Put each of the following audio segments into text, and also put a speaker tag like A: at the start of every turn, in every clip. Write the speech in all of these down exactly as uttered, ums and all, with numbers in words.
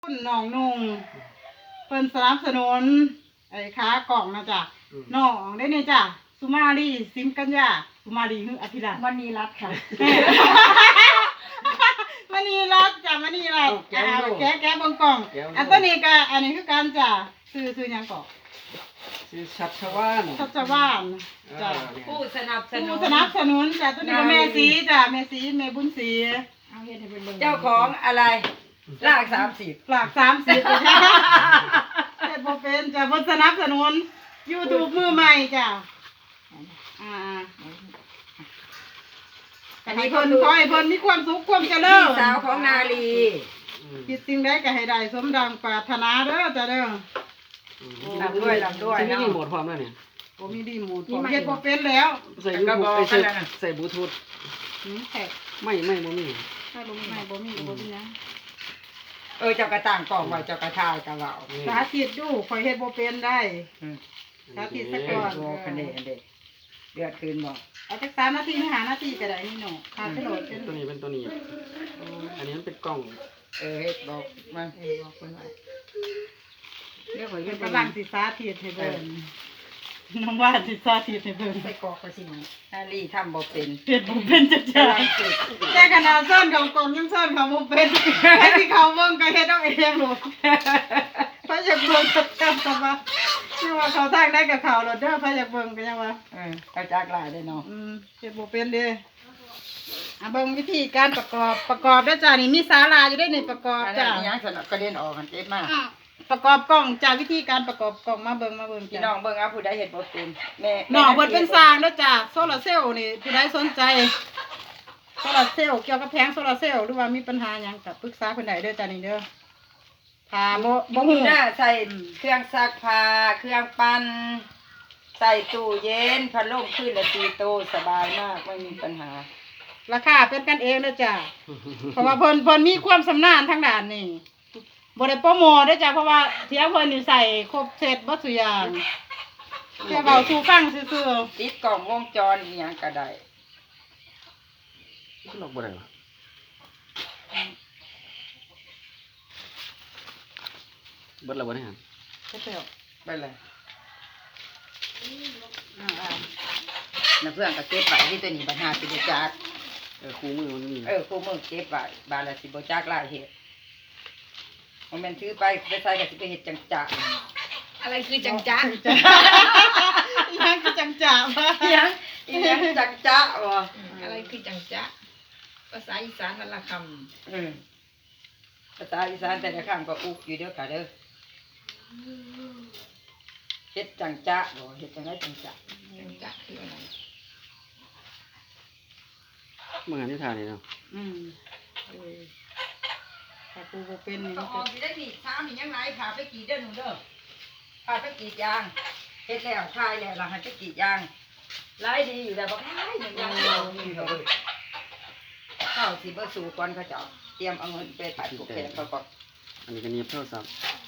A: คุณน้องนุ่งเพิ่นสนับสนุนไอ้ค้ากล่องนะจ๊ะน้องได้เนี่ยจ้ะสุมาลีซิมกัญญาสุมาลีคืออภิรัตน์
B: มณีรัตน์ค่ะ
A: มณีรัตน์จ้ะมณีรัตน์อ่าแกะแกะเบงกล่องอันตัวนี้ก็อันนี้คือการจ้ะซื้อซื้อหยังก่อน
C: ชื่อชัชวาน
A: ชัชวานจ้ะ
B: ผู้สนับสนุ
A: ผู้
B: น
A: สนับสนุนจ้ะตัวนี้ก็แม่สีจ้ะแม่สีแม่บุญศรี
B: เอาเฮ็ดให้เป็นเบิ่งเจ้าของอะไรลากสามสิบ
A: ฝากสามสิบจ้ะเฮ็ดบ่เป็นจ้ะเพิ่นสนับสนุน YouTube มือใหม่จ้ะอ่าอันนี้เพิ่นขอให้เพิ่นมีความสุขความเจริ
B: พี่
A: ญ
B: สาวของนาลี
A: คิดสิ่งใดก็ให้ได้สมดังปรารถนาเด้อจ้ะเด้อ
B: ลำด้วยลำด้วย
C: ใช่
B: เนาะ
C: นี่หมดความแล้วเนี่ย
A: บ่มีดีหมูผมเฮ็ดบ่เป็นแล้ว
C: ใส่ยูทูบใส่ใส่บลูทูธ
A: หืมแขก
C: ไม่ไม่บ่มี
A: ถ้าบ่มีไม่บ่มีก็บ่มีนะ
B: เออเจ้ากระต่างกล่องไว้เจ้ากระทายกระเหล่า
A: สาธิตดูข่อยเฮ็ดบ่เป็นได้
B: อืม
A: สาธิตซะ
B: เอ
A: ก่
B: อ
A: อน
B: โอ้คันเดคันเดเดือดคืนบอก
A: เอาจักสามนาทีหรือห้านาทีก็ได้นี่เนาะค่าโหลดเป็น
C: ตัวนี้เป็นตัวนี้ อันนี้มันเป็นกล่อง
B: เออเฮ็ดบอกมันเออบอกเพิ่นไว้เรียกว่า
A: เพิ่
B: เฮ็
A: น
B: ด
A: กำลังสิสาธิตให้เบิ่งน้องว่าสิสาธิตให้เบิ่ง
B: ใส่กรอกไปสิมันนาลีทำบ่เป็น
A: เฮ็ดบ่เป็นจักจ้ะ
B: กำลังฝึก
A: แต่ขนาดซ่อนของกล่องยังซ่อนเขาบ่เป็นให้ที่เขาเบิ่งก็เฮ็ดเอาเองโลดพระอยากเบิ่งก็จำซะว่านี่ว่าเขาทางได้กับเขาโลดเด้อพระอยากเบิ่งก็ยังว่า
B: เออเอาจากหลายได้เนาะ
A: อืมเฮ็ดบ่เป็นเด้อ่ะเบิ่งวิธีการประกอบประกอบเด้อจ้ะนี่มีศาลาอยู่เด้ในประกอบ
B: อัน
A: จ้ะ
B: นั้นอีหยังสนับกระเด็นออกกันเจ็บมาก
A: อ่ะประกอบกล่องจ้ะวิธีการประกอบกล่องมาเบิ่งมาเบิ่ง
B: พี่
A: จ้ะ
B: น้องเบิ่งเอาผู้ใดเฮ็ดบ่เป็นแม่
A: น้องเพิ่นเป็นสร้างเด้อจ้ะโซลาร์เซลล์นี่ผู้ใดสนใจโซลาร์เซลล์เกี่ยวกับแผงโซลาร์เซลล์หรือว่ามีปัญหาหยังก็ปรึกษาเพิ่นได้เด้อจ้ะนี่เด้อถ้าบ่บ่
B: บ่
A: ฮู้
B: ฮู้หน้าใส่เครื่องซักผ้าเครื่องปั่นใส่ตู้เย็นพัดลมขึ้นละตีโตสบายมากไม่มีปัญหา
A: ราคาเป็นกันเองเด้อจ้ะเพราะว่าเพิ่นเพิ่นมีความชำนาญทางด้านนี้บ่ได้โปรโมทเด้อจ้ะเพราะว่าเที่ยเพิ่นนี่ใส่ครบเซตเบ่ซุอย่างแค่เว้าสู่ฟังซื่อๆ
B: ติดกล้องวงจรอีหยังก็ได้
C: ล็อกบ่ได้หรอเบิดแล้วบ่ได้หั่น
A: ก็เปรี้ยว
B: ไปเลย
A: อ่า
B: น้าเพื่อนก็เก็บไว้ที่ตัวนี้ปัญหาสิบ่จัก
C: เออคู่มือมันมี
B: เออคู่มือเก็บไว้บาดละสิบ่จักหลายเฮ็ดบ่แม่นถือไปไปใส่ก็สิไปเฮ็ดจังจัก
D: อะไรคือจังจ๊ะ
A: ๆจ้ะอีหยังคือจังจ๋าบ่
B: อีหยังอีหยังจังจ๊ะบ่
D: อะไรคือจังจ๊ะภาษาอีสานวันละค
B: อืมภาษาอีสานแต่ละครั้งก็อุกอยู่เด้อค่ะเด้อเฮ็ดจังจ๊ะบ่เฮ็ดจังไดจังจ๊ะ
D: ำจังจ๊ะคืออะไร
C: เมื่อหันที่ทานนี่เนาะ
A: อืมเออถ้าปูบ่เป็นนี่
B: ก็
A: มัน
B: อ
A: ก็
B: อกสิได้นี่ถามนี่ยังไงพาไปกรีดเด้อหนูเด้อพาไปกรีดยางเฮ็ดแล้วคายแล้วล่ะให้ไปกรีดยางรายดีอยู่แล้วบ่คายหนึ่งยางเดียวนี่เด้อเข้าสิบ่สู่ก่อนเขาเจ้าเตรียมเอาเงินไปปัดกุกแขกเขาก่อน
C: อันนี้ก็หนีบโทรศัพท์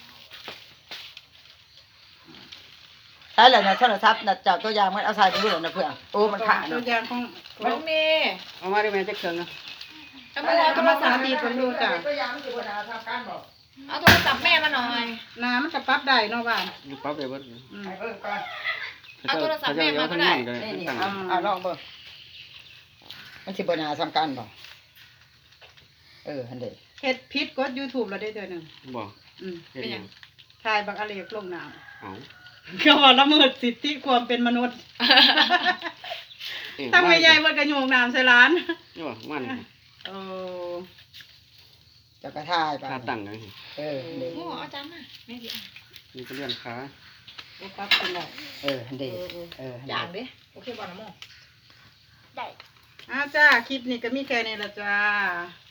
B: ใช่แล้วนะโทรศัพท์น่ะเจ้าตัวอย่างมันเอาใส่ไปดูนะเพื่อนโอ้มันขาด
A: ตัว
B: เนาะ
A: อย่างของ
D: น้องเมย์
C: เอามาได้แม่จักเครื่องนะ
D: เอามาเอาโทรศัพท์
A: ดีเพิ่นดูจ้ะ
B: ตัวอย่างมันสิบ่น่าทำการบอก
D: เอาโทรศัพท์แม่มาหน่อย
A: น้ำมันก็ปรับได้เนาะบ้าน
C: อยู่ปั๊บได้เบิด
A: อืม
B: ให้เบิ่งก่อน
D: เอาโทรศัพท์แม่มาก็ได้
B: นี่นี่เอาเอาลองเบิ่งมันสิบ่น่าทำการบอกเออหั่นเด้
A: เฮ็ดผิดกด YouTube แล้วได้เทื่อหนึง
C: บ่
A: อืม
C: เฮ็ดหยัง
A: ถ่ายบักอะเลกลงน้ำ
C: เอ้า
A: ก็ว่าละเมิดสิทธิความเป็นมนุษย์
C: เอ้ย
A: ตั้งไว้ใหญ่เพิ่นก็โยงน้ำใส่ร้าน
C: นี่บ่มัน
A: โอ้
B: เจ้าก็ทายไป
C: ขาตั้งกัน
B: เออหั่นเด้
D: โอ้เอาจานมาแม่ดิ
C: นี่ก็เลื่อนขา
A: โอ้ปรับเป็นได้
B: เออหั่นเด้เออหั่น
D: จาน
B: เด้
D: ดิโอเคบ่นะโม
A: อ้าวจ้าคลิปนี้ก็มีแค่นี้ละจ้า